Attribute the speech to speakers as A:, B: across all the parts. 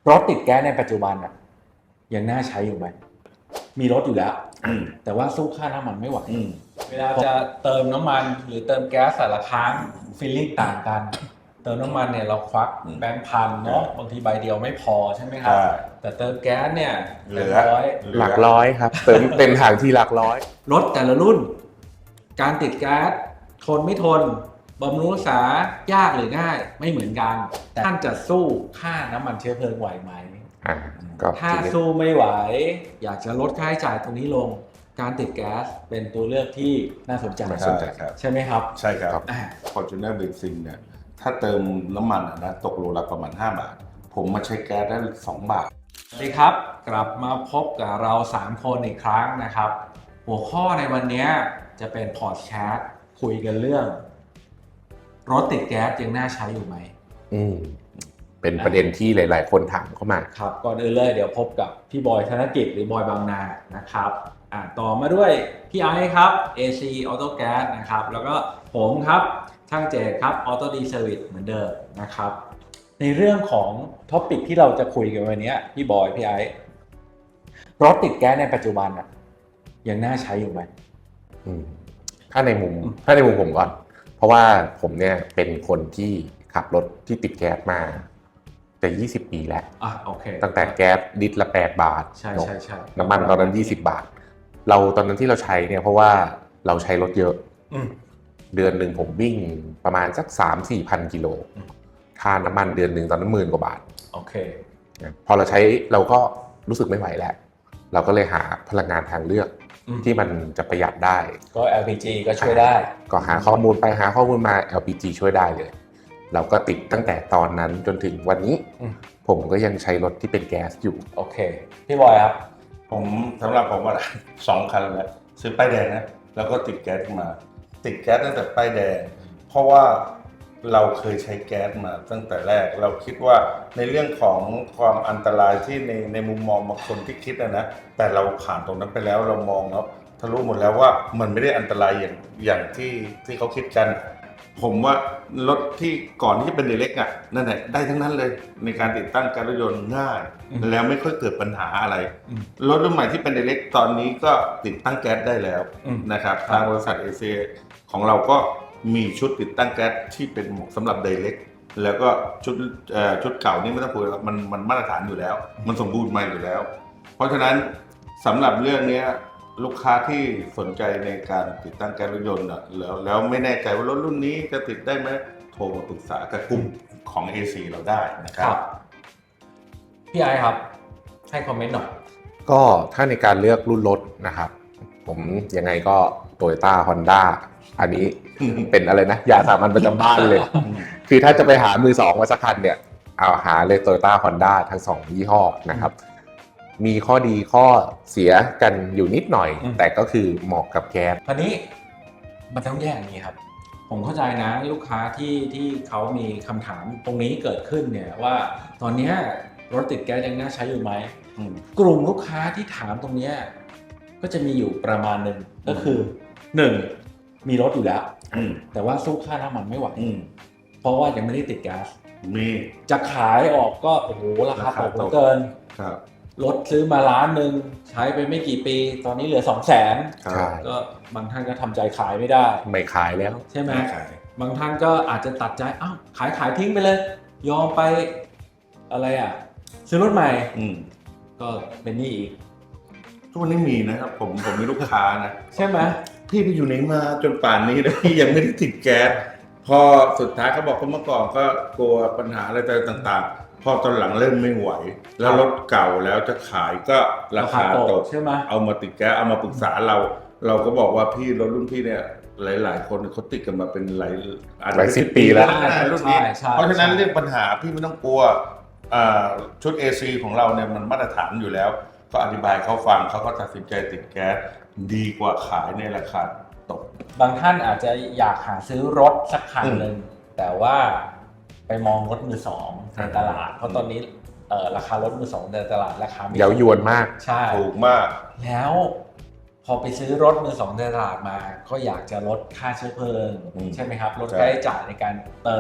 A: รถติดแก๊สในปัจจุบันอ่ะยังน่าใช้อยู่ไหมมีรถอยู่แล้วแต่ว่าสู้ค่าน้ำมันไม่ไหวเวลาจะเติมน้ำมันหรือเติมแก๊สแต่ละครั้งฟีลลิ่งต่างกันเติมน้ำมันเนี่ยเราควักแบงค์พันเนาะบางทีใบเดียวไม่พอใช่ไหมครับแต่เติมแก๊สเนี่ยเป็นร้อย
B: หลักร้อยครับเติมเต็มถังที่หลักร้อย
A: รถแต่ละรุ่นการติดแก๊สทนไม่ทนบำรุงรักษายากหรือง่ายไม่เหมือนกันแต่ท่านจะสู้ค่าน้ำมันเชื้อเพลิงไหวไหมถ้าสู้ไม่ไหวอยากจะลดค่าใช้จ่ายตรงนี้ลงการติดแก๊สเป็นตัวเลือกที่น่าสนใจใช่ไหมครับ
C: ใช่ครับFortuner Benzin เนี่ยถ้าเติมน้ำมันนะตกโลละประมาณ5 บาทผมมาใช้แก๊สได้2 บาท
A: สวัสดีครับกลับมาพบกับเรา3คนอีกครั้งนะครับหัวข้อในวันนี้จะเป็นพอดแคสต์คุยกันเรื่องรถติดแก๊สยังน่าใช้อยู่ไหม
B: เป็นประเด็นที่หลายๆคนถามเข้ามา
A: ครับก่อนอื่นเลยเดี๋ยวพบกับพี่บอยธนกิจหรือบอยบางนานะครับต่อมาด้วยพี่ไอซ์ครับ AC Auto Gas นะครับแล้วก็ผมครับช่างเจตครับ Auto D Service เหมือนเดิมนะครับในเรื่องของท็อปิกที่เราจะคุยกันวันนี้พี่บอยพี่ไอซ์รถติดแก๊สในปัจจุบันยังน่าใช้อยู่ไหม
B: ถ้าในมุมผมก่อนเพราะว่าผมเนี่ยเป็นคนที่ขับรถที่ติดแก๊สมาแต่20 ปีแล้ว
A: โอเค
B: ตั้งแต่แก๊สลิตรละ8 บาท
A: ใช่
B: น้ำมันตอนนั้น20 บาทเราตอนนั้นที่เราใช้เนี่ยเพราะว่าเราใช้รถเยอะเดือนหนึ่งผมวิ่งประมาณสัก 3-4 พันกิโลค่าน้ำมันเดือนหนึ่งตอนนั้น10,000 กว่าบาท
A: โอเค
B: พอเราใช้เราก็รู้สึกไม่ไหวแล้วเราก็เลยหาพลังงานทางเลือกที่มันจะประหยัดได้
A: ก็ LPG ก็ช่วยได้
B: ก็หาข้อมูลไปหาข้อมูลมา LPG ช่วยได้เลยเราก็ติดตั้งแต่ตอนนั้นจนถึงวันนี้ผมก็ยังใช้รถที่เป็นแก๊สอยู่
A: โอเคพี่บอยครับ
C: ผมสำหรับผมว่า2 คันแล้วซื้อป้ายแดงนะแล้วก็ติดแก๊สมาติดแก๊สตั้งแต่ป้ายแดงเพราะว่าเราเคยใช้แก๊สมาตั้งแต่แรกเราคิดว่าในเรื่องของความอันตรายที่ในมุมมองบางคนที่คิดนะแต่เราผ่านตรงนั้นไปแล้วเรามองแล้วทะลุหมดแล้วว่ามันไม่ได้อันตรายอย่างที่เขาคิดกันผมว่ารถที่ก่อนที่จะเป็นเล็กนั่นแหละได้ทั้งนั้นเลยในการติดตั้งการรถยนต์ง่ายแล้วไม่ค่อยเกิดปัญหาอะไรรถรุ่นใหม่ที่เป็นเล็กตอนนี้ก็ติดตั้งแก๊สได้แล้วนะครับทางบริษัท AC ของเราก็มีชุดติดตั้งแก๊สที่เป็นสำหรับไดเรกแล้วก็ชุดเก่านี่ไม่ต้องพูดมันมาตรฐานอยู่แล้วมันสมบูรณ์มาอยู่แล้วเพราะฉะนั้นสำหรับเรื่องนี้ลูกค้าที่สนใจในการติดตั้งแก๊สรถยนต์แล้วไม่แน่ใจว่ารถรุ่นนี้จะติดได้ไหมโทรมาปรึกษากับกลุ่มของ AC เราได้นะครับ
A: พี่ไอครับให้คอมเมนต์หน่อย
B: ก็ถ้าในการเลือกรุ่นรถนะครับผมยังไงก็ Toyota Honda อันนี้เป็นอะไรนะยาสามัญประจำบ้านเลยคือถ้าจะไปหามือสองมาสักคันเนี่ยเอาหาเลย Toyota Honda ทั้ง2 ยี่ห้อนะครับมีข้อดีข้อเสียกันอยู่นิดหน่อยแต่ก็คือเหมาะกับแก๊ส
A: คราวนี้มันต้องแยกอย่างนี้ครับผมเข้าใจนะลูกค้าที่เขามีคำถามตรงนี้เกิดขึ้นเนี่ยว่าตอนนี้รถติดแก๊สยังน่าใช้อยู่ไหมกลุ่มลูกค้าที่ถามตรงนี้ก็จะมีอยู่ประมาณหนึ่งก็คือ1มีรถอยู่แล้วแต่ว่าสู้ค่าน้ำมันไม่ไหวเพราะว่ายังไม่ได้ติดแก๊ส
C: มี
A: จะขายออกก็โอ้โหราคาตกเกินรถซื้อมา1,000,000ใช้ไปไม่กี่ปีตอนนี้เหลือ200,000ก็บางท่านก็ทำใจขายไม่ได้
B: ไม่ขายแล้ว
A: ใช่ไหมบางท่านก็อาจจะตัดใจขายทิ้งไปเลยยอมไปอะไรซื้อรถใหม่ก็เป็นหนี้อีก
C: ทุกวันนี้มีนะครับผมมีลูกค้านะ
A: ใช่ไหม
C: พี่ไปอยู่ไหนมาจนป่านนี้แล้วพี่ยังไม่ได้ติดแก๊สพอสุดท้ายเขาบอกเขาเมื่อก่อนก็กลัวปัญหาอะไรต่างๆพอตอนหลังเริ่มไม่ไหวแล้วรถเก่าแล้วจะขายก็ราคาตก
A: ใช่ไหม
C: เอามาติดแก๊สเอามาปรึกษาเราก็บอกว่าพี่รถรุ่นพี่เนี่ยหลายคนเขาติดกันมาเป็นหลาย
B: 10 ปีแล้ว
C: รุ่นนี้เพราะฉะนั้นเรื่องปัญหาพี่ไม่ต้องกลัวชุด AC ของเราเนี่ยมันมาตรฐานอยู่แล้วก็อธิบายเขาฟังเขาก็ตัดสินใจติดแก๊สดีกว่าขายในราคาตก
A: บางท่านอาจจะอยากหาซื้อรถสักคันหนึ่งแต่ว่าไปมองรถมือสองในตลาดเพราะตอนนี้ราคารถมือสองในตลาดราคา
B: เย้ายวนมาก
A: ใช่
C: ถูกมาก
A: แล้วพอไปซื้อรถมือสองในตลาดมาก็อยากจะลดค่าเชื้อเพลิงใช่ไหมครับลดค่าใช้จ่ายในการเติม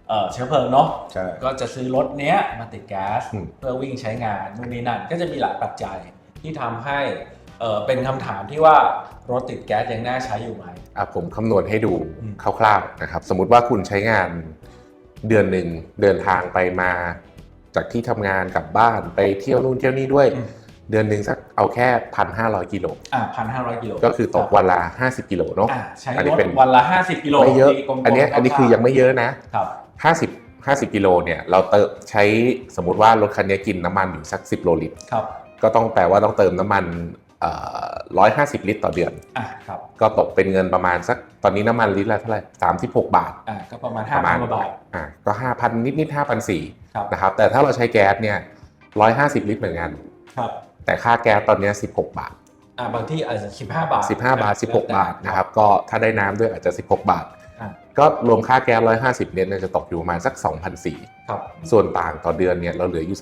A: เชื้อเพลิงเนาะ
C: ใช่
A: ก็จะซื้อรถเนี้ยมาติดแก๊ส
B: อืม
A: เพื่อวิ่งใช้งานนู่นนี่นั่นก็จะมีหลายปัจจัยที่ทำให้เป็นคำถามที่ว่ารถติดแก๊สยังน่าใช้อยู่ไหม
B: ผมคำนวณให้ดู
A: อืม
B: คร่าวๆนะครับ สมมุติว่าคุณใช้งานเดือนหนึ่งเดินทางไปมาจากที่ทำงานกลับบ้านไปเที่ยวนู่นเที่ยวนี่ด้วย เดือนหนึ่งสักเอาแค่ 1,500 กิโล
A: 1,500 กิโล
B: ก็คือตกวันละ50 กิโลเนาะ
A: ใช้
B: อัน
A: ร
B: นี้
A: ถ
B: เป็น
A: วันละ50 กิโล
B: ไม่เยอะ
A: ตีกลมๆ
B: อันนี้คือยังไม่เยอะนะ
A: ครับ
B: 50 กิโลเนี่ยเราใช้สมมุติว่ารถคันนี้กินน้ำมันอยู่สัก10 โลลิตร
A: ครับ
B: ก็ต้องแปลว่าต้องเติมน้ำมัน150 ลิตรต่อเดือน
A: ครับ
B: ก็ตกเป็นเงินประมาณสักตอนนี้น้ำมันลิตรละเท่าไหร่36 บาท
A: ก็ประมาณ
B: ประมาณ
A: 5,000 กว่าบาท
B: ก็ 5,000 นิดๆ 5,400
A: ครับ
B: นะครับแต่ถ้าเราใช้แก๊สเนี่ย150 ลิตรเหมือนกัน
A: ครับ
B: แต่ค่าแก๊สตอนนี้16 บาท
A: บางที่อาจจะ15 บาท
B: 15 บาท 16 บาทนะครับก็ถ้าได้น้ำด้วยอาจจะ16 บาท
A: อ่า
B: ก็รวมค่าแก๊ส150เนี่ยจะตกอยู่ประมาณสัก 2,400
A: ครับ
B: ส่วนต่างต่อเดือนเนี่ยเราเหลืออยู่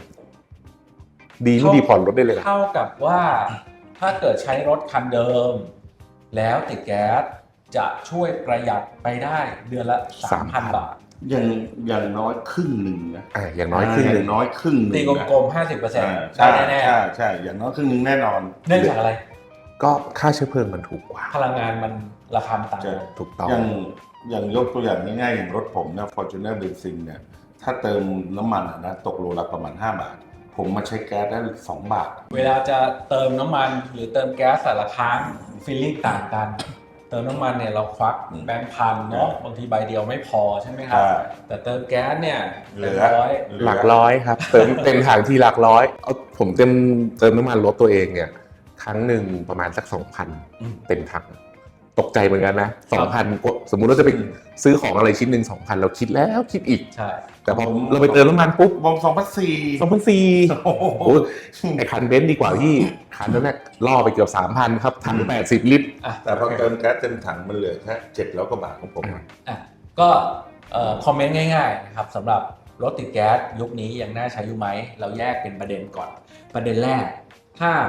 B: 3,000 ดีไม่ดีผ่อนรถได้เลยเหรอ
A: เท่ากับว่าถ้าเกิดใช้รถคันเดิม แล้วติดแก๊สจะช่วยประหยัดไปได้เดือนละ 3,000 บาท
C: อย่างน้อยครึ่งหนึ่งนะ
B: อย่างน้อยครึ่งหนึ่ง
C: อย่างน้อยครึ่งหนึ่ง
A: ตีกลมๆ 50% ได้แน่
C: ใช่อย่างน้อยครึ่งหนึ่งแน่นอน
A: ๆเนื่องจากอะไร
B: ก็ค่าเชื้อเพลิงมันถูกกว่า
A: พลังงานมันราคามันต่างกัน
B: ถูกต้อง
C: อย่างยกตัวอย่างง่ายๆอย่างรถผมนะ Fortuner Benzin เนี่ยถ้าเติมน้ำมันนะตกโลละประมาณ5 บาท ผมมาใช้แก๊สได้2 บาท
A: เวลาจะเติมน้ำมันหรือเติมแก๊สแต่ละครั้งฟีลลิ่งต่างกัน เติมน้ำมันเนี่ยเราควักแบงค์พันเนาะบางทีใบเดียวไม่พอใช่ไหมครับ
C: ใช่
A: แต่เติมแก๊สเนี่ย
C: เหลื
A: เป็น
C: อ
A: ร้อย
B: หลักร้อยครับ เต็มถังที่หลักร้อยผมเติมน้ำมันรถตัวเองเนี่ยครั้งหนึ่งประมาณสัก 2,000 เต็มถังตกใจเหมือนกันนะ 2,000 สมมุติเราจะไปซื้อของอะไรชิ้นหนึ่ง 2,000 เราคิดแล้วคิดอีก
A: ใช่
B: แต่พอเราไปเติมน้ำมันปุ๊บ
C: วง2004
B: 2,400
C: โอ้โห
B: โอ้ยไอคันเบนซ์ดีกว่าพี่คันนั้นน่ะล่อไปเกือบ 3,000 ครับถัง80 ลิตร
C: แต่พอเติมแก๊สเต็มถังมันเหลือแค่700 กว่าบาทของผมอะ
A: ก็คอมเมนต์ง่ายๆนะครับสำหรับรถติดแก๊สยุคนี้ยังน่าใช้อยู่ไหมเราแยกเป็นประเด็นก่อน ประเด็นแรกถ้า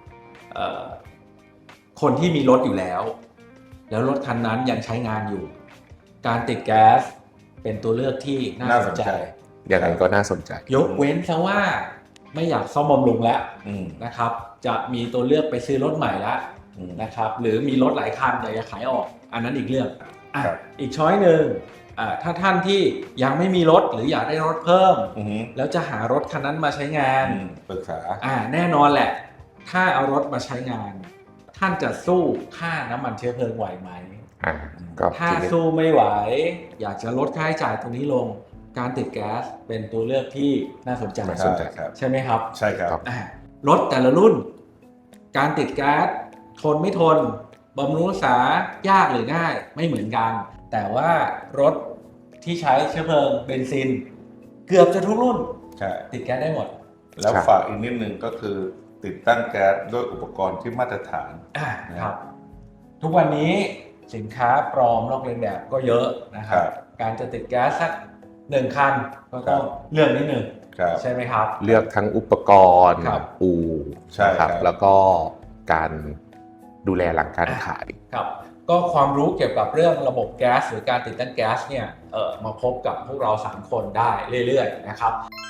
A: คนที่มีรถอยู่แล้วรถคันนั้นยังใช้งานอยู่ การติดแก๊สเป็นตัวเลือกที่น่าสนใจ
B: อย่างไรก็น่าสนใจ
A: ยกเว้นซะว่าไม่อยากซ่อมบำรุงแล้ว
C: อืม
A: นะครับ จะมีตัวเลือกไปซื้อรถใหม่แล้ว
C: อืม
A: นะครับ หรือมีรถหลายคันอยากจะขายออก อันนั้นอีกเรื่อง
C: ครับ
A: อีกช้อยหนึ่งถ้าท่านที่ยังไม่มีรถหรืออยากได้รถเพิ่ม
C: อือหือ
A: แล้วจะหารถคันนั้นมาใช้งาน
C: ปรึกษา
A: แน่นอนแหละ ถ้าเอารถมาใช้งาน ท่านจะสู้ค่าน้ำมันเชื้อเพลิงไหวไหม
B: ก็
A: ถ้า
B: ทีนี้
A: สู้ไม่ไหว อยากจะลดค่าใช้จ่ายตรงนี้ลง การติดแก๊สเป็นตัวเลือกที่น่าสนใจ
B: น่าสนใจ
C: ครับ
A: ใช่ไหมครับ
C: ใช่ครับ
A: รถแต่ละรุ่น การติดแก๊สทนไม่ทนบำรุงรักษายากหรือง่ายไม่เหมือนกัน แต่ว่ารถที่ใช้เชื้อเพลิงเบนซิน เกือบจะทุกรุ่น
C: ใช่
A: ติดแก๊สได้หมด
C: แล้วฝากอีกนิดนึงก็คือติดตั้งแก๊สด้วยอุปกรณ์ที่มาตรฐาน
A: ครับ ทุกวันนี้สินค้าปลอมลอกเลียนแบบก็เยอะนะครับ
C: ครับ
A: การจะติดแก๊สสัก1 คันก็ต้อง
C: ครับ
A: เลือกนิดหนึ่ง
C: ครับ
A: ใช่ไหมครับ
B: เลือกทั้งอุปกรณ์
A: ครับ
B: อู่
C: ใช่
B: นะครับ แล้วก็การดูแลหลังการขาย
A: ครับก็ความรู้เกี่ยวกับเรื่องระบบแก๊สหรือการติดตั้งแก๊สเนี่ยมาพบกับพวกเรา3 คนได้เรื่อยๆนะครับ